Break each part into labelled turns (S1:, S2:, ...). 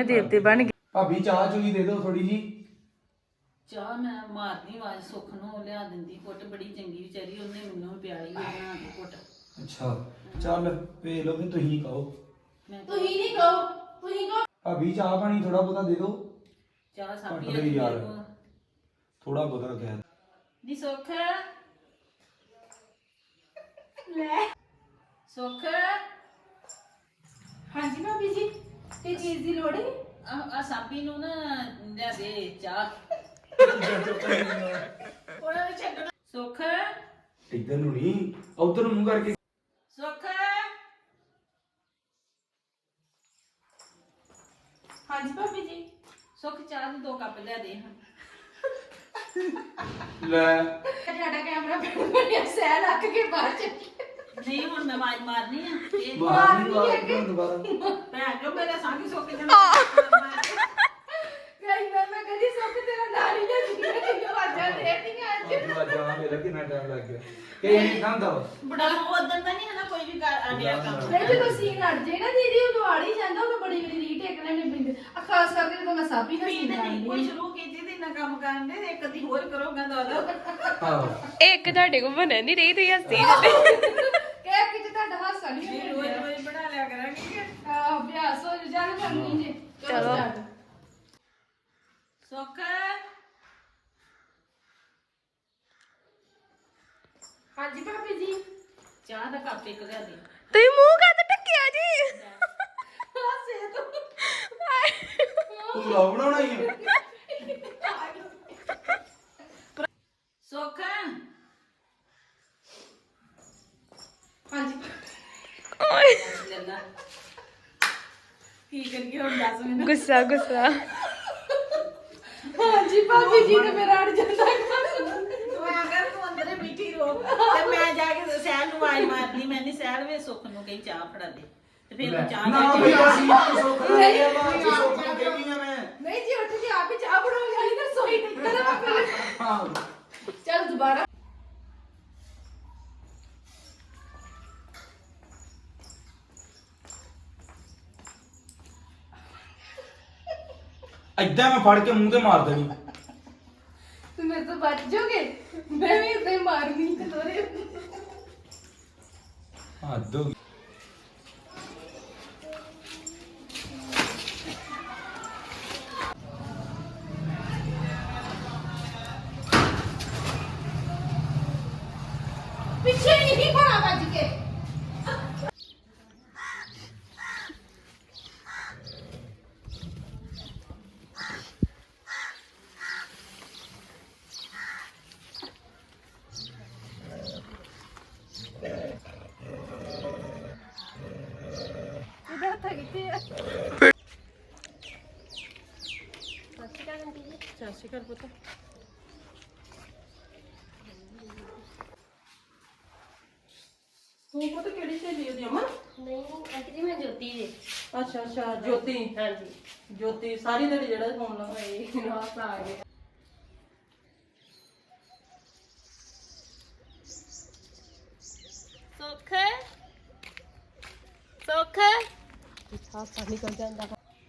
S1: ਦੇਵਤੇ ਬਣ ਗਏ।
S2: ਭਾਬੀ ਚਾਹ ਚੂਹੀ ਦੇ ਦਿਓ ਥੋੜੀ ਜੀ।
S3: ਚਾਹ ਮੈਂ ਮਾਰਨੀ ਆਵਾਜ਼ ਸੁੱਖ ਨੂੰ ਲਿਆ ਦਿੰਦੀ ਕੁੱਟ ਬੜੀ ਚੰਗੀ ਵਿਚਾਰੀ ਉਹਨੇ ਮੈਨੂੰ ਪਿਆਲੀ ਬਣਾ ਕੇ ਕੁੱਟ।
S2: ਅੱਛਾ ਚੱਲ ਵੇਖ ਲਓ ਵੀ ਤੁਸੀਂ ਕਹੋ।
S4: ਤੁਸੀਂ ਨਹੀਂ ਕਹੋ, ਤੁਸੀਂ ਕਹੋ।
S2: ਭਾਬੀ ਚਾਹ ਪਾਣੀ ਥੋੜਾ ਬਹੁਤਾ ਦੇ ਦਿਓ।
S3: ਚਾਹ ਸਾਪੀ
S2: ਕੱਟ ਲਈ ਯਾਰ। ਥੋੜਾ ਬਹੁਤਾ ਕਹਿ
S3: ਨੀ ਸੁੱਖ
S4: ਲੈ
S3: ਸੁੱਖ
S4: ਹਾਂਜੀ ਭਾਬੀ ਜੀ, ਤੇ ਚੀਜ਼ ਦੀ ਲੋੜ ਹੈ?
S3: ਆ ਸਾਪੀ ਨੂੰ ਨਾ ਲਿਆ ਦੇ ਚਾਹ। ਉਹਨਾਂ ਨੇ ਛੱਡਣਾ। ਸੁੱਖ
S2: ਇੱਧਰ ਨੂੰ ਨਹੀਂ ਉਧਰ ਨੂੰ ਮੂੰਹ ਕਰਕੇ।
S3: ਸੁੱਖ
S4: ਹਾਂਜੀ ਭਾਬੀ ਜੀ।
S3: ਸੁੱਖ ਚਾਹ ਦੇ 2 ਕੱਪ ਲਿਆ ਦੇ ਹਾਂ।
S2: ਲੈ
S4: ਸਾਡਾ ਕੈਮਰਾ ਬਣਿਆ ਸਹਿ ਲੱਗ ਕੇ ਬਾਹਰ ਚੱਲੀ।
S3: ਨਹੀਂ ਹੁਣ ਮੈਂ ਆਵਾਜ਼ ਮਾਰਨੀ ਆ ਇਹ
S2: ਬਾਹਰ ਨਹੀਂ ਬਾਹਰ ਦੁਬਾਰਾ।
S3: ਭੈਣ ਜੋ ਮੇਰਾ ਸੰਗ ਸੁੱਕ ਜਾਣਾ।
S4: ਮੈਂ ਕਦੀ ਸੁੱਖ ਤੇਰਾ ਨਾਂ ਨਹੀਂ ਲਿਆ ਜਿੰਨੇ ਆਵਾਜ਼ਾਂ ਦੇਤੀਆਂ ਅੱਜ।
S2: ਅੱਜ ਆ ਮੇਰਾ ਕਿੰਨਾ ਟਾਈਮ ਲੱਗ ਗਿਆ ਕਿ ਇਹ ਖਾਂਦਾ ਵਾ।
S3: ਬੜਾ ਉਦੋਂ ਤਾਂ ਨਹੀਂ ਹੈ ਨਾ ਕੋਈ ਵੀ ਆਡਿਆ ਕੰਮ।
S4: ਨਹੀਂ ਜਦੋਂ ਸੀਨ ਅੜ ਜੇ ਨਾ ਦੀਦੀ ਉਹ ਦਵਾੜ ਹੀ ਜਾਂਦਾ ਉਹ ਬੜੀ ਬੜੀ ਰੀਟੇਕ ਲੈਣੇ ਪੈਂਦੇ ਆ, ਖਾਸ ਕਰਕੇ ਜਦੋਂ ਮੈਂ ਸਾਬੀ ਦਾ ਸੀਨ
S3: ਨਹੀਂ ਕੋਈ
S4: ਕਰਦੀ
S3: ਸ਼ੁਰੂ ਕੀਤੀ ਤੇ ਇੰਨਾ ਕੰਮ ਕਰਨ ਦੇ ਇੱਕ ਅੱਧੀ ਹੋਰ ਕਰੋਗਾ ਦਾਦਾ।
S2: ਆਹੋ
S1: ਇੱਕ ਤੁਹਾਡੇ ਕੋਲ ਬਣ ਨਹੀਂ ਰਹੀ ਤੁਸੀਂ ਹੱਸੀ
S4: ਕਹਿ ਕਿ ਤੁਹਾਡਾ ਹਾਸਾ ਨਹੀਂ
S3: ਰੋਜ਼ ਰੋਜ਼ ਬਣਾ ਲਿਆ ਕਰਾਂਗੇ।
S4: ਅਭਿਆਸ ਹੋ ਜਾਣ ਕਰਨੀ ਜੇ।
S1: ਚਲੋ।
S3: ਸੁੱਖ
S4: ਹਾਂਜੀ ਭਾਬੀ ਜੀ।
S3: ਚਾਹ ਦਾ ਕੱਪ ਇੱਕ ਲਿਆ ਦੇ।
S1: ਤੁਸੀਂ ਮੂੰਹ ਕਾਹਤੇ ਢੱਕਿਆ ਜੀ?
S4: ਹਾਸੇ ਤੋਂ
S2: ਤੂੰ ਵਲੌਗ ਬਣਾਉਣਾ ਹੀ ਆ।
S3: ਸੁੱਖ
S4: ਹਾਂਜੀ
S3: ਲੱਲਾ ਕੀ ਕਰੀਏ ਹੁਣ ਦੱਸ ਮੈਨੂੰ।
S1: ਗੁੱਸਾ ਗੁੱਸਾ।
S4: ਹਾਂਜੀ ਭਾਬੀ ਜੀ ਤੇ ਮੇਰਾ ਅੜ ਜਾਂਦਾ ਕੰਮ।
S3: ਤੂੰ ਅਗਰ ਤੂੰ ਅੰਦਰੇ ਬੈਠੀ ਰੋ ਤੇ ਮੈਂ ਜਾ ਕੇ ਸਹਿਲ ਨੂੰ ਆਵਾਜ਼ ਮਾਰਨੀ। ਮੈਂ ਨਹੀਂ ਸਹਿਲ ਵੇ ਸੁੱਖ ਨੂੰ ਕਹੀ ਚਾਹ ਫੜਾ ਦੇ ਤੇ ਫਿਰ ਉਹ ਚਾਹ
S2: ਨਾ
S3: ਲੈ
S2: ਬਈ
S3: ਕੇ
S2: ਅਸੀਂ ਤਾਂ ਸੁੱਖ ਨਾਲ ਗਏ ਆ ਬਾਅਦ ਚ ਸੁੱਖ ਨੂੰ ਕਹਿੰਦੀ ਆ ਮੈਂ।
S4: ਨਹੀਂ ਜੀ ਉੱਠ ਕੇ ਆਪ ਹੀ ਚਾਹ ਬਣਾਉ ਜਾਣੀ ਤਾਂ ਸੋਈ ਨਿਕਲ
S2: ਹਾਂ
S4: ਚਲ ਦੁਬਾਰਾ।
S2: ਏਦਾਂ ਮੈਂ ਫੜ ਕੇ ਮੂੰਹ ਤੇ ਮਾਰ ਦੇਣੀ।
S4: ਤੂੰ ਮੇਰੇ ਤੋਂ ਬਚ ਜਾਓਗੇ, ਮੈਂ ਵੀ ਇਦਾਂ ਹੀ ਮਾਰਨੀ ਤੇ ਤੋਰੇ।
S2: ਹੱਦ ਹੋ ਗਈ।
S4: ਪਿੱਛੇ ਨਹੀਂ ਭਾਣਾ ਵੱਜ ਕੇ। ਇਹਦਾ ਹੱਥ ਕਿੱਥੇ ਆ?
S3: ਸਤਿ ਸ਼੍ਰੀ ਅਕਾਲ ਪੁੱਤ।
S4: ਤੂੰ ਪੁੱਤ ਕਿਹੜੀ ਸਹੇਲੀ ਉਹਦੀ ਅਮਨ?
S5: ਨਹੀਂ ਆਂਟੀ ਜੀ ਮੈਂ ਜੋਤੀ ਜੀ।
S3: ਅੱਛਾ ਅੱਛਾ ਜੋਤੀ।
S5: ਹਾਂਜੀ
S3: ਜੋਤੀ ਸਾਰੀ ਦਿਹਾੜੀ ਜਿਹੜਾ ਫੋਨ ਲਾਉਂਦਾ
S4: ਰਾਤ ਆ ਗਏ।
S5: ਸੁੱਖ ਸੁੱਖ ਹਾਸਾ ਨਿਕਲ ਜਾਂਦਾ।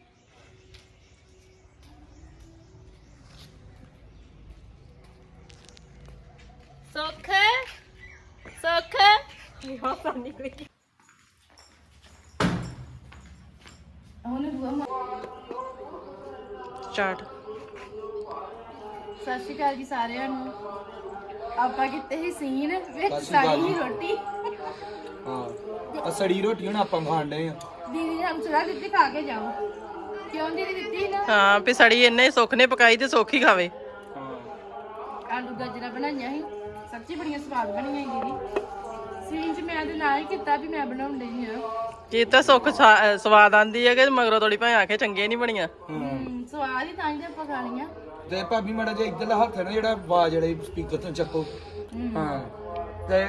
S5: ਸੁੱਖ ਸੁੱਖ ਹਾਸਾ ਨਿਕਲ ਗਿਆ।
S4: ਉਹਨੇ ਬੁਆ
S1: ਸਟਾਰਟ।
S4: ਸਤਿ ਸ਼੍ਰੀ ਅਕਾਲ ਜੀ ਸਾਰਿਆਂ ਨੂੰ। ਆਪਾਂ ਕਿਤੇ ਹੀ ਸੀਨ ਵਿੱਚ
S2: ਸਤਿ ਸ਼੍ਰੀ ਅਕਾਲ
S4: ਸਾਡੀ ਹੀ
S2: ਜੀ।
S4: ਰੋਟੀ
S2: ਹਾਂ ਆ ਸੜੀ ਰੋਟੀ ਹੁਣ ਆਪਾਂ ਖਾਣ ਡਏ ਆ।
S4: ਦੀਦੀ ਨੇ ਹਮਸਰਾ ਦਿੱਤੀ ਖਾ ਕੇ ਜਾਓ। ਕਿਉਂ ਦੀਦੀ ਦਿੱਤੀ ਨਾ?
S1: ਹਾਂ ਵੀ ਸੜੀ ਇੰਨੇ ਸੁੱਖ ਨੇ ਪਕਾਈ ਤੇ ਸੁੱਖ ਹੀ ਖਾਵੇ।
S2: ਹਾਂ
S4: ਆਲੂ ਗਾਜਰਾਂ ਬਣਾਈਆਂ ਸੀ, ਸੱਚੀ ਬੜੀਆਂ ਸਵਾਦ ਬਣੀਆਂ ਸੀ ਦੀਦੀ। ਸੀਨ 'ਚ ਮੈਂ ਤੇ ਨਾ ਹੀ ਕੀਤਾ ਵੀ ਮੈਂ ਬਣਾਉਣ ਡਈ ਆ।
S1: ਕੀ ਤਾਂ ਸੁੱਖ ਸਵਾਦ ਆਂਦੀ ਹੈ ਕਿ ਮਗਰੋਂ ਥੋੜੀ ਭਾਵੇਂ ਆਖੇ ਚੰਗੀਆਂ ਨਹੀਂ ਬਣੀਆਂ।
S4: ਸਵਾਦ ਹੀ ਤਾਂ ਹੀ ਤਾਂ ਆਪਾਂ ਖਾ ਲਈਆਂ।
S2: ਤੇ ਭਾਬੀ ਮਾੜਾ ਜਿਹਾ ਇੱਧਰਲਾ ਹੱਥ ਹੈ ਨਾ ਜਿਹੜਾ ਆਵਾਜ਼ ਜਿਹੜੇ ਸਪੀਕਰ ਤੋਂ ਚੱਕੋ। ਹਾਂ ਤੇ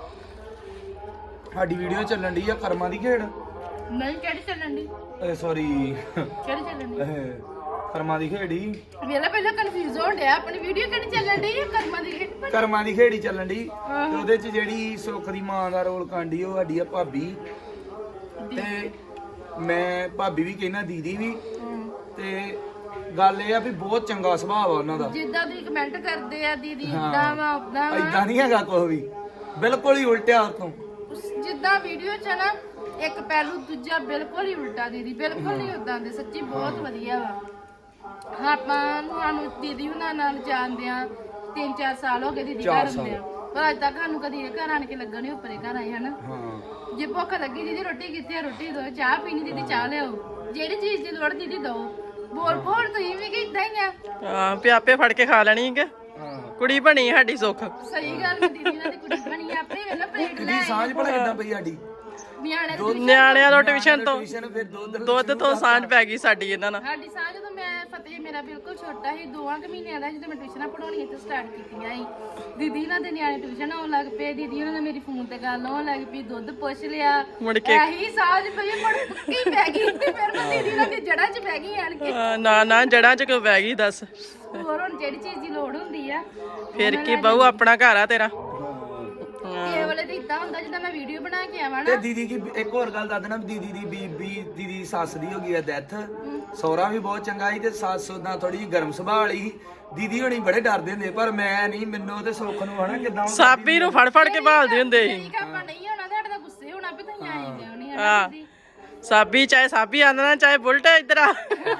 S2: ਸਾਡੀ ਵੀਡੀਓ ਚੱਲਣ ਦੀ ਆ ਕਰਮਾਂ ਦੀ ਖੇਡ।
S4: ਨਹੀਂ ਕਿਹੜੀ ਚੱਲਣ ਦੀ?
S2: ਸੌਰੀ
S4: ਕਿਹੜੀ ਚੱਲਣ ਦੀ?
S2: ਕਰਮਾਂ ਦੀ ਖੇਡ ਹੀ।
S4: ਵੇਲਾ ਪਹਿਲਾਂ ਕਨਫਿਊਜ਼ ਹੋਣ ਡਿਆ ਆਪਣੀ ਵੀਡੀਓ ਕਿਹੜੀ ਚੱਲਣ ਡਈ ਹੈ? ਕਰਮਾਂ ਦੀ ਕਿਹੜੀ?
S2: ਕਰਮਾਂ ਦੀ ਖੇਡ ਹੀ ਚੱਲਣ ਦੀ। ਤੇ ਉਹਦੇ ਚ ਜਿਹੜੀ ਸੁੱਖ ਦੀ ਮਾਂ ਦਾ ਰੋਲ ਕਾਂਡੀ ਉਹ ਸਾਡੀ ਆ ਭਾਬੀ। ਤੇ ਮੈਂ ਭਾਬੀ ਵੀ ਕਹਿਣਾ ਦੀਦੀ ਵੀ ਤੇ ਗੱਲ ਇਹ ਆ ਵੀ ਬਹੁਤ ਚੰਗਾ ਸੁਭਾਅ ਆ ਉਹਨਾਂ ਦਾ।
S4: ਜਿੱਦਾਂ ਤੁਸੀਂ ਕਮੈਂਟ ਕਰਦੇ ਆ ਦੀਦੀ ਇਦਾਂ ਵਾ ਉਦਾਂ ਵਾ,
S2: ਇਦਾਂ ਨਹੀਂ ਹੈਗਾ ਕੁਛ ਵੀ, ਬਿਲਕੁਲ ਹੀ ਉਲਟਿਆ ਉਤੋਂ।
S4: ਜਿੱਦਾਂ ਵੀਡੀਓ ਚ ਨਾ ਇੱਕ ਪਹਿਲੂ ਦੂਜਾ ਬਿਲਕੁਲ ਹੀ ਉਲਟਾ ਦੀਦੀ, ਬਿਲਕੁਲ ਨਹੀਂ ਉਦਾਂ ਦੇ। ਸੱਚੀ ਬਹੁਤ ਵਧੀਆ ਵਾ। ਆਪਾਂ ਸਾਨੂੰ ਦੀਦੀ ਹੁਣਾਂ ਨਾਲ ਜਾਣਦੇ ਆ 3-4 ਸਾਲ ਹੋ ਗਏ ਦੀਦੀ ਘਰ ਹੁੰਦੇ ਆ, ਪਰ ਅੱਜ ਤੱਕ ਸਾਨੂੰ ਕਦੀ ਘਰ ਆਣ ਕੇ ਲੱਗਣ ਨਹੀਂ ਉੱਪਰੇ ਘਰ ਆਏ ਹਨ।
S2: ਹਾਂ
S4: ਜੇ ਭੁੱਖ ਲੱਗੀ ਦੀਦੀ ਰੋਟੀ ਕਿੱਥੇ ਆ, ਰੋਟੀ ਦੋ, ਚਾਹ ਪੀਣੀ ਦੀਦੀ ਚਾਹ ਲਿਆਓ, ਜਿਹੜੀ ਚੀਜ਼ ਦੀ ਲੋੜ ਦੀਦੀ ਦੋ। ਬੋਲ ਬੋਲ ਤੁਸੀਂ ਵੀ ਕਿ ਇਦਾਂ ਹੀ ਆ।
S1: ਹਾਂ ਪਿਆਪੇ ਫੜ ਕੇ ਖਾ ਲੈਣੀ ਕਿ ਕੁੜੀ ਬਣੀ ਸਾਡੀ ਸੁੱਖ।
S4: ਸਹੀ ਗੱਲ ਹੈ, ਦੀਦੀ ਨਾਲ ਦੀ ਕੁੜੀ ਬਣੀ ਆ, ਆਪੇ ਵੇਲਾ ਪਲੇਟ ਲੈ
S2: ਦੀ ਸਾਂਝ ਭਲਾ ਕਿੱਦਾਂ ਪਈ ਸਾਡੀ?
S4: ਨਿਆਣੇ ਦੀ
S1: ਨਿਆਣਿਆਂ ਤੋਂ ਟਿਊਸ਼ਨ ਤੋਂ
S2: ਟਿਊਸ਼ਨ ਫਿਰ
S1: ਦੁੱਧ ਤੋਂ ਸਾਂਝ ਪੈ ਗਈ ਸਾਡੀ ਇਹਨਾਂ ਨਾਲ।
S4: ਸਾਡੀ ਸਾਂਝ ਜਦੋਂ ਮੈਂ ਫਤਿਹ ਮੇਰਾ ਬਿਲਕੁਲ ਛੋਟਾ ਸੀ 2 ਮਹੀਨਿਆਂ ਦਾ, ਜਦੋਂ ਮੈਂ ਟਿਊਸ਼ਨਾਂ ਪੜਾਉਣੀਆਂ ਤੇ ਸਟਾਰਟ ਕੀਤੀਆਂ ਸੀ, ਦੀਦੀ ਉਹਨਾਂ ਦੇ ਨਿਆਣੇ ਟਿਊਸ਼ਨ ਆਉਣ ਲੱਗ ਪਏ, ਦੀਦੀ ਉਹਨਾਂ ਨੇ ਮੇਰੀ ਫੋਨ ਤੇ ਗੱਲ ਹੋਣ ਲੱਗ ਪਈ, ਦੁੱਧ ਪੁੱਛ ਲਿਆ,
S1: ਮੁੜ ਕੇ
S4: ਇਹੀ ਸਾਂਝ ਪਈ ਮੁੜ ਪੱਕੀ ਪੈ ਗਈ। ਫਿਰ ਮੈਂ ਦੀਦੀ ਉਹਨਾਂ ਦੀ ਜੜ੍ਹਾਂ 'ਚ ਬਹਿ ਗਈ ਆਣ ਕੇ।
S1: ਨਾ ਨਾ ਜੜਾਂ 'ਚ ਕਿਉਂ ਪੈ ਗਈ ਦੱਸ?
S4: ਹੋਰ ਹੁਣ ਜਿਹੜੀ ਚੀਜ਼ ਦੀ ਲੋੜ ਹੁੰਦੀ ਆ
S1: ਫਿਰ ਕੀ ਬਹੂ ਆਪਣਾ ਘਰ ਆ ਤੇਰਾ।
S4: ਇਹ ਵਾਲੇ ਤੇ ਇਦਾਂ ਹੁੰਦਾ ਜਿੱਦਾਂ ਮੈਂ ਵੀਡੀਓ ਬਣਾ ਕੇ ਆਵਾਂ
S2: ਤੇ
S4: ਨਾ।
S2: ਦੀਦੀ ਕੀ ਇੱਕ ਹੋਰ ਗੱਲ ਦੱਸ ਦੇਣਾ, ਦੀਦੀ ਦੀ ਬੀਬੀ ਦੀਦੀ ਦੀ ਸੱਸ ਦੀ ਹੋ ਗਈ ਆ ਡੈਥ। ਸਹੁਰਾ ਵੀ ਬਹੁਤ ਚੰਗਾ ਸੀ ਤੇ ਸੱਸ ਉਹਦਾ ਥੋੜੀ ਜਿਹੀ ਗਰਮ ਸੁਭਾਅ ਵਾਲੀ ਸੀ। ਦੀਦੀ ਹੋਣੀ ਬੜੇ ਡਰਦੇ ਹੁੰਦੇ, ਪਰ ਮੈਂ ਨਹੀਂ, ਮੈਨੂੰ ਤੇ ਸੁੱਖ ਨੂੰ ਹਨਾ ਕਿਦਾਂ
S1: ਸਾਬੀ ਨੂੰ ਫੜ ਫੜ ਕੇ ਭਾਲਦੇ ਹੁੰਦੇ ਸੀ।
S4: ਠੀਕ ਆਪਾਂ ਨਹੀਂ ਹੋਣਾ ਤੁਹਾਡੇ ਦਾ ਗੁੱਸੇ ਹੋਣਾ ਵੀ ਤੁਸੀਂ ਆਏ ਕਿਉਂ ਨਹੀਂ
S1: ਹਾਂ।
S4: ਹਨਾ ਦੀਦੀ।
S1: ਸਾਬੀ ਚਾਹੇ ਸਾਬੀ ਆਂਦਾ ਨਾ ਚਾਹੇ ਬੁਲਟ ਇੱਧਰ ਆ।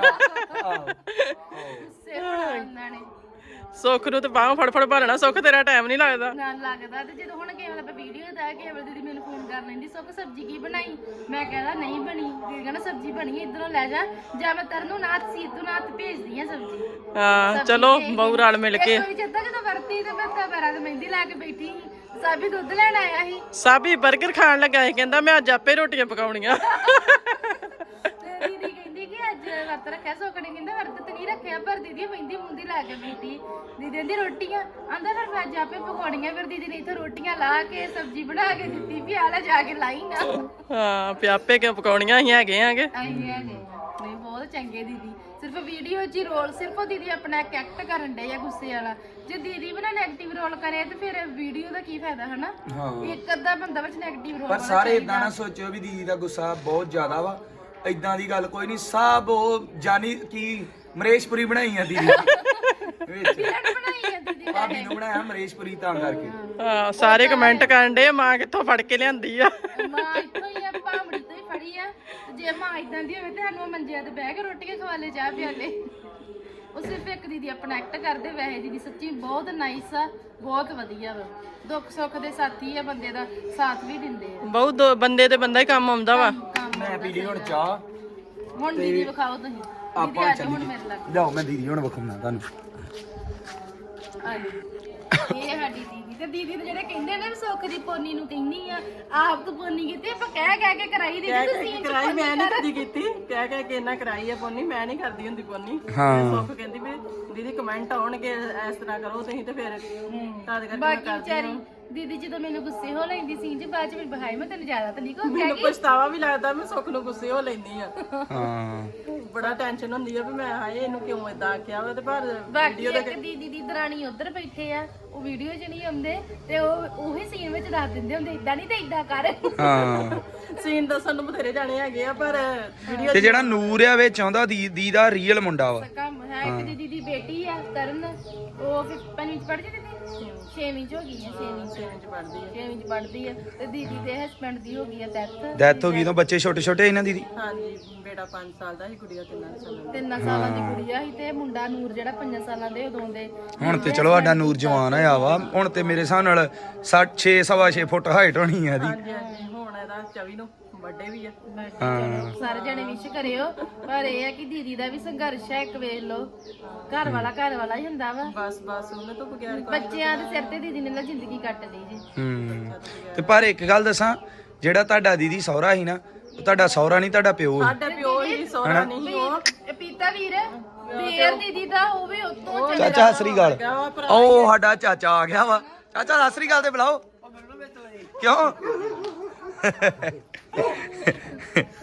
S4: ਗੁੱਸੇ ਹੋਣਾ ਉਹਨਾਂ ਨੇ
S1: ਸੁੱਖ ਨੂੰ ਤੇ ਬਾਹਾਂ ਫੜ ਫੜ ਭਾਲਣਾ। ਸੁੱਖ ਤੇਰਾ ਟਾਈਮ ਨਹੀਂ ਲੱਗਦਾ।
S4: ਨਾ ਲੱਗਦਾ। ਤੇ ਜਦੋਂ ਹੁਣ ਕੇਵਲ ਆਪਾਂ ਵੀਡੀਓ ਦਾ ਕੇਵਲ ਦੀਦੀ ਮੈਨੂੰ ਫੋਨ ਕਰ ਲੈਂਦੀ, ਸੁੱਖ ਸਬਜ਼ੀ ਕੀ ਬਣਾਈ, ਮੈਂ ਕਹਿੰਦਾ ਨਹੀਂ ਬਣੀ, ਦੀਦੀ ਕਹਿੰਦਾ ਸਬਜ਼ੀ ਬਣੀ ਇਧਰੋਂ ਲੈ ਜਾ, ਜਾਂ ਮੈਂ ਤਰਨ ਨੂੰ ਨਾਥ ਸੀਤੂ ਨਾਥ ਭੇਜਦੀ ਆ ਸਬਜ਼ੀ।
S1: ਹਾਂ ਚਲੋ ਬਹੂ ਰਲ ਮਿਲ ਕੇ।
S4: ਕੋਈ ਜਿੱਦਾਂ ਜਦੋਂ ਵਰਤੀ ਤੇ ਬੱਤਾ ਪੈਰਾਂ ਤੇ ਮਹਿੰਦੀ ਲਾ ਕੇ ਬੈਠੀ ਸੀ, ਸਾਬੀ ਦੁੱਧ ਲੈਣ ਆਇਆ ਸੀ
S1: ਸਾਬੀ 버ਗਰ ਖਾਣ ਲੱਗਾ ਸੀ, ਕਹਿੰਦਾ ਮੈਂ ਅੱਜ ਆਪੇ ਰੋਟੀਆਂ ਪਕਾਉਣੀਆਂ।
S4: ਤੇ ਦੀਦੀ ਕਹਿੰਦੀ ਕਿ ਅੱਜ ਵਰਤ ਰੱਖਿਆ, ਸੁੱਖ ਨੇ ਕਹਿੰਦਾ ਵਰਤ ਤੇ ਨਹੀਂ ਰੱਖਿਆ, ਪਰ ਦੀਦੀ ਮਹਿੰਦੀ ਮੁੰਦੀ ਲਾ ਕੇ ਬੈਠੀ। ਦੀਦੀ ਕਹਿੰਦੀ ਰੋਟੀਆਂ ਆਂਦਾ ਫਿਰ ਮੈਂ ਅੱਜ ਆਪੇ ਪਕਾਉਣੀਆਂ। ਫਿਰ ਦੀਦੀ ਨੇ ਇੱਥੇ ਰੋਟੀਆਂ ਲਾ ਕੇ ਸਬਜ਼ੀ ਬਣਾ ਕੇ ਦਿੱਤੀ ਵੀ ਆ ਲੈ ਜਾ ਕੇ ਲਾਈ ਨਾ।
S1: ਹਾਂ ਪਿਆਪੇ ਕਿਉਂ ਪਕਾਉਣੀਆਂ ਅਸੀਂ ਹੈਗੇ ਆਂਗੇ।
S4: ਆਈ ਹੈਗੇ ਨਹੀਂ, ਬਹੁਤ ਚੰਗੇ ਦੀਦੀ। ਸਿਰਫ ਵੀਡੀਓ 'ਚ ਹੀ ਰੋਲ, ਸਿਰਫ ਉਹ ਦੀਦੀ ਆਪਣਾ ਐਕਟ ਕਰਨ ਡੇ ਆ ਗੁੱਸੇ ਵਾਲਾ। ਜੇ ਦੀਦੀ ਵੀ ਨਾ ਨੈਗੇਟਿਵ ਰੋਲ ਕਰੇ ਤੇ ਫਿਰ ਵੀਡੀਓ ਦਾ ਕੀ ਫਾਇਦਾ ਹਨਾ? ਇੱਕ ਅੱਧਾ ਬੰਦਾ ਵਿੱਚ ਨੈਗੇਟਿਵ ਰੋਲ
S2: ਪਰ ਸਾਰੇ ਇਦਾਂ ਨਾ ਸੋਚਿਓ ਵੀ ਦੀਦੀ ਦਾ ਗੁੱਸਾ ਬਹੁਤ ਜ਼ਿਆਦਾ ਵਾ। ਇਦਾਂ ਦੀ ਗੱਲ ਕੋਈ ਨਹੀਂ। ਸਭ ਉਹ ਜਾਨੀ ਕੀ ਮਰੇਸ਼ਪੁਰੀ ਬਣਾਈ ਆ ਦੀਦੀ ਵਿੱਚ,
S4: ਬਣਾਈ ਆ ਦੀਦੀ
S2: ਭਾਬੀ ਨੂੰ ਬਣਾਇਆ ਮਰੇਸ਼ਪੁਰੀ ਤਾਂ ਕਰਕੇ।
S1: ਹਾਂ ਸਾਰੇ ਕਮੈਂਟ ਕਰਨ ਡੇ ਮਾਂ ਕਿੱਥੋਂ ਫੜ ਕੇ ਲਿਆਂਦੀ ਆ।
S4: ਮਾਂ ਇੱਥੋਂ ਹੀ ਆ, ਭਾਂਬੜੀ ਤੋਂ ਹੀ ਫੜੀ ਆ। ਤੇ ਜੇ ਮਾਂ ਇਦਾਂ ਦੀ ਹੋਵੇ ਤੇ ਸਾਨੂੰ ਮੰਜਿਆਂ ਤੇ ਬਹਿ ਕੇ ਰੋਟੀਆਂ ਖਵਾ ਲੈ, ਚਾਹ ਪਿਆਲੇ। ਉਹ ਸਿਰਫ ਇੱਕ ਦੀਦੀ ਆਪਣਾ ਐਕਟ ਕਰਦੇ। ਵੈਸੇ ਦੀਦੀ ਸੱਚੀ ਬਹੁਤ ਨਾਈਸ ਆ, ਬਹੁਤ ਵਧੀਆ ਵਾ। ਦੁੱਖ ਸੁੱਖ ਦੇ ਸਾਥੀ ਆ, ਬੰਦੇ ਦਾ ਸਾਥ ਵੀ ਦਿੰਦੇ ਆ।
S1: ਬਹੁਤ ਬੰਦੇ ਤੇ ਬੰਦਾ ਹੀ ਕੰਮ ਆਉਂਦਾ ਵਾ।
S2: ਮੈਂ ਪੀ ਲਈ ਹੁਣ ਚਾਹ।
S4: ਹੁਣ ਦੀਦੀ ਵਿਖਾਓ ਤੁਸੀਂ। ਦੀਦੀ
S2: ਆਪਾਂ
S4: ਆ ਜਾਓ ਹੁਣ ਮੇਰੇ ਲੱਗ।
S2: ਲਿਆਓ ਮੈਂ ਦੀਦੀ ਹੁਣ ਵਿਖਾਉਣਾ ਤੁਹਾਨੂੰ।
S4: ਆ ਜੀ ਇਹ ਸਾਡੀ ਦੀਦੀ। ਤੇ ਦੀਦੀ ਤੇ ਜਿਹੜੇ ਕਹਿੰਦੇ ਨੇ ਵੀ ਸੁੱਖ ਦੀ ਪੋਨੀ ਨੂੰ ਕਹਿੰਦੀ ਆ, ਆਪ ਤੂੰ ਪੋਨੀ ਕੀਤੀ, ਆਪਾਂ ਕਹਿ ਕੇ ਕਰਾਈ ਦੀਦੀ। ਤੁਸੀਂ
S1: ਕਰਾਈ ਮੈਂ ਨਹੀਂ ਕਦੀ ਕੀਤੀ, ਕਹਿ ਕੇ ਇਹਨਾਂ ਕਰਾਈ ਆ ਪੋਨੀ, ਮੈਂ ਨਹੀਂ ਕਰਦੀ ਹੁੰਦੀ ਪੋਨੀ। ਸੁੱਖ ਕਹਿੰਦੀ ਵੀ ਦੀਦੀ ਕਮੈਂਟ ਆਉਣਗੇ ਇਸ ਤਰ੍ਹਾਂ ਕਰੋ ਤੁਸੀਂ, ਤੇ ਫਿਰ ਤਦ ਕਰਕੇ ਮੈਂ
S4: ਬਾਕੀ ਵਿਚਾਰੀ ਦੀਦੀ ਜਦੋਂ ਮੈਨੂੰ ਗੁੱਸੇ ਹੋ ਲੈਂਦੀ ਸੀ ਜੀ, ਬਾਅਦ ਚ ਮੈਨੂੰ ਬਹਾਈ ਮੈਂ ਤੈਨੂੰ ਜ਼ਿਆਦਾ ਤਾਂ ਨਹੀਂ ਕੋ
S1: ਮੈਨੂੰ ਪਛਤਾਵਾ ਵੀ ਲੱਗਦਾ ਮੈਂ ਸੁੱਖ ਨੂੰ ਗੁੱਸੇ ਹੋ ਲੈਂਦੀ ਆ।
S2: ਹਾਂ
S1: ਬੜਾ ਟੈਨਸ਼ਨ ਹੁੰਦੀ ਆ ਵੀ ਮੈਂ ਹਾਏ ਇਹਨੂੰ ਕਿਉਂ ਇਦਾਂ ਆਖਿਆ ਵਾ। ਤੇ ਪਰ
S4: ਬਾਕੀ ਇੱਕ ਦੀਦੀ ਦੀ ਦਰਾਣੀ ਉਧਰ ਬੈਠੇ ਆ, ਉਹ ਵੀਡੀਓ 'ਚ ਨਹੀਂ ਆਉਂਦੇ ਤੇ ਉਹ ਉਹੀ ਸੀਨ ਵਿੱਚ ਦੱਸ ਦਿੰਦੇ ਹੁੰਦੇ ਇਦਾਂ ਨਹੀਂ ਤੇ ਇਦਾਂ ਕਰ।
S2: ਹਾਂ
S1: ਸੀਨ ਦੱਸਣ ਨੂੰ ਬਥੇਰੇ ਜਾਣੇ ਹੈਗੇ ਆ, ਪਰ ਵੀਡੀਓ
S2: ਤੇ ਜਿਹੜਾ ਨੂਰ ਆ ਵਿੱਚ ਆਉਂਦਾ ਦੀਦੀ ਦਾ ਰੀਅਲ ਮੁੰਡਾ ਵਾ।
S4: ਕੰਮ ਹੈ ਇੱਕ ਦੀਦੀ ਦੀ ਬੇਟੀ ਆ ਤਰਨ, ਉਹ 5ਵੀਂ ਚ ਪੜ੍ਹਦੀ ਦੀਦੀ 6ਵੀਂ ਚ ਹੋ ਗਈ ਹੈ, 6ਵੀਂ ਚ ਪੜ੍ਹਦੀ ਆ। ਤੇ ਦੀਦੀ ਦੇ ਹਸਬੰਡ ਦੀ ਹੋ ਗਈ ਆ
S2: ਡੈਥ ਹੋ ਗਈ ਤਾਂ ਬੱਚੇ ਛੋਟੇ ਛੋਟੇ ਇਹਨਾਂ ਦੀਦੀ।
S1: ਹਾਂਜੀ ਬੇਟਾ 5 ਸਾਲ ਦਾ ਸੀ, ਗੁੜੀਆ 3 ਸਾਲਾਂ ਦੀ।
S4: 3 ਸਾਲਾਂ ਦੀ ਕੁੜੀ ਆ ਸੀ ਤੇ ਮੁੰਡਾ ਨੂਰ ਜਿਹੜਾ 5 ਸਾਲਾਂ ਦੇ ਉਦੋਂ ਦੇ।
S2: ਹੁਣ ਤੇ ਚਲੋ ਸਾਡਾ ਨੂਰ ਜਵਾਨ ਹੋਇਆ ਵਾ। ਹੁਣ ਤੇ ਮੇਰੇ ਹਿਸਾਬ ਨਾਲ 6 ਸਵਾ 6 ਫੁੱਟ ਹਾਈਟ ਹੋਣੀ ਆ ਇਹਦੀ।
S1: ਹਾਂਜੀ ਹਾਂਜੀ ਹੁਣ ਇਹਦਾ 24 ਨੂੰ ਬਰਥਡੇ ਵੀ ਆ।
S4: ਚਲੋ ਸਾਰੇ ਜਣੇ ਵਿਸ਼ ਕਰਿਓ। ਪਰ ਇਹ ਆ ਕਿ ਦੀਦੀ ਦਾ ਵੀ ਸੰਘਰਸ਼ ਹੈ, ਇੱਕ ਵੇਖ ਲਓ। ਘਰ ਵਾਲਾ ਹੀ ਹੁੰਦਾ ਵਾ।
S1: ਬਸ ਉਹਨੇ ਤੋਂ ਬਗੈਰ
S4: ਬੱਚਿਆਂ ਦੇ ਸਿਰ ਤੇ ਦੀਦੀ ਨੇ ਜ਼ਿੰਦਗੀ ਕੱਟ ਲਈ ਜੀ।
S2: ਤੇ ਪਰ ਇੱਕ ਗੱਲ ਦੱਸਾਂ, ਜਿਹੜਾ ਤੁਹਾਡਾ ਦੀਦੀ ਸਹੁਰਾ ਸੀ ਨਾ, ਉਹ ਤੁਹਾਡਾ ਸਹੁਰਾ ਨਹੀਂ, ਤੁਹਾਡਾ ਪਿਓ ਸੀ।
S1: ਸਾਡਾ ਪਿਓ ਹੀ ਸੋਹਣਾ ਨਹੀਂ ਉਹ
S4: ਇਹ ਪੀਤਾ ਵੀਰ ਦੇਰ ਦੀਦੀ ਦਾ ਉਹ ਵੀ ਉਤੋਂ ਚੱਲ
S2: ਚਾਚਾ ਸਤਿ ਸ੍ਰੀ ਅਕਾਲ। ਉਹ ਸਾਡਾ ਚਾਚਾ ਆ ਗਿਆ ਵਾ। ਚਾਚਾ ਸਤਿ ਸ੍ਰੀ ਅਕਾਲ ਤੇ ਬੁਲਾਓ। ਕਿਉਂ?
S4: ਤੇ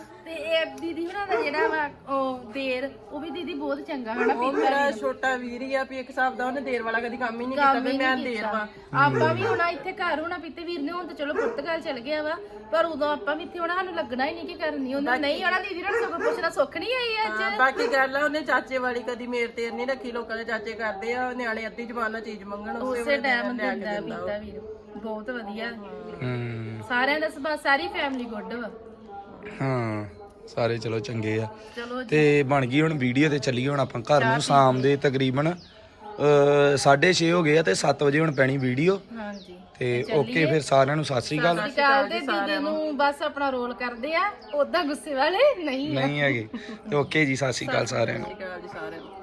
S4: ਤੇ ਦੀਦੀ ਹੁਣਾਂ ਦਾ ਜਿਹੜਾ ਵਾ ਉਹ ਦੇਰ ਉਹ ਵੀ ਦੀਦੀ ਬਹੁਤ ਚੰਗਾ ਹਨਾ
S1: ਉਹ ਮੇਰਾ ਛੋਟਾ ਵੀਰ ਹੀ ਆ ਵੀ ਇੱਕ ਹਿਸਾਬ ਦਾ ਉਹਨੇ ਦੇਰ ਵਾਲਾ ਕਦੀ ਕੰਮ ਹੀ ਨਹੀਂ ਕੀਤਾ ਵੀ ਮੈਂ ਦੇਰ ਵਾ
S4: ਆਪਾਂ ਵੀ ਹੁਣ ਇੱਥੇ ਘਰ ਹੋਣਾ ਪੀਤੇ ਵੀਰ ਨੇ ਹੁਣ ਤਾਂ ਚਲੋ ਪੁਰਤਗਾਲ ਚਲ ਗਿਆ ਵਾ ਪਰ ਉਦੋਂ ਆਪਾਂ ਵੀ ਇੱਥੇ ਹੋਣਾ ਸਾਨੂੰ ਲੱਗਣਾ ਹੀ ਨਹੀਂ ਕਿ ਕਰਨੀ ਉਹਨੇ ਨਹੀਂ ਆਉਣਾ ਦੀਦੀ ਨੂੰ ਸਗੋਂ ਪੁੱਛਣਾ ਸੁੱਖ ਨਹੀਂ ਆਈ ਅੱਜ
S1: ਬਾਕੀ ਗੱਲ ਆ ਉਹਨੇ ਚਾਚੇ ਵਾਲੀ ਕਦੀ ਮੇਰ ਤੇਰ ਨਹੀਂ ਰੱਖੀ ਲੋਕਾਂ ਦੇ ਚਾਚੇ ਕਰਦੇ ਆ ਨਿਆਣੇ ਅੱਧੀ ਜ਼ਬਾਨ ਨਾਲ ਚੀਜ਼ ਮੰਗਣ
S4: ਉਸੇ ਟਾਈਮ ਦਿੰਦਾ ਪੀਤਾ ਵੀਰ ਬਹੁਤ ਵਧੀਆ ਸਾਰਿਆਂ ਦਾ ਸੁਭਾਅ ਸਾਰੀ ਫੈਮਿਲੀ ਗੁੱਡ ਵਾ
S2: ਹਾਂ ਸਾਰੇ ਚਲੋ ਚੰਗੇ ਆ
S4: ਚਲੋ
S2: ਤੇ ਬਣ ਗਈ ਹੁਣ ਵੀਡੀਓ ਤੇ ਚੱਲੀਏ ਹੁਣ ਆਪਾਂ ਘਰ ਨੂੰ ਸ਼ਾਮ ਦੇ ਤਕਰੀਬਨ 6:30 ਹੋ ਗਏ ਆ ਤੇ 7 ਵਜੇ ਹੁਣ ਪੈਣੀ ਵੀਡੀਓ
S4: ਹਾਂਜੀ
S2: ਤੇ ਓਕੇ ਫਿਰ ਸਾਰਿਆਂ ਨੂੰ ਸਤਿ ਸ੍ਰੀ ਅਕਾਲ
S4: ਕਾਲ ਦੇ ਦੀਦੀ ਨੂੰ ਬਸ ਆਪਣਾ ਰੋਲ ਕਰਦੇ ਆ ਉਦਾਂ ਗੁੱਸੇ ਵਾਲੇ ਨਹੀਂ
S2: ਨਹੀਂ ਹੈਗੇ ਤੇ ਓਕੇ ਜੀ ਸਤਿ ਸ੍ਰੀ ਅਕਾਲ ਸਾਰਿਆਂ ਨੂੰ
S1: ਜੀ ਸਾਰਿਆਂ ਨੂੰ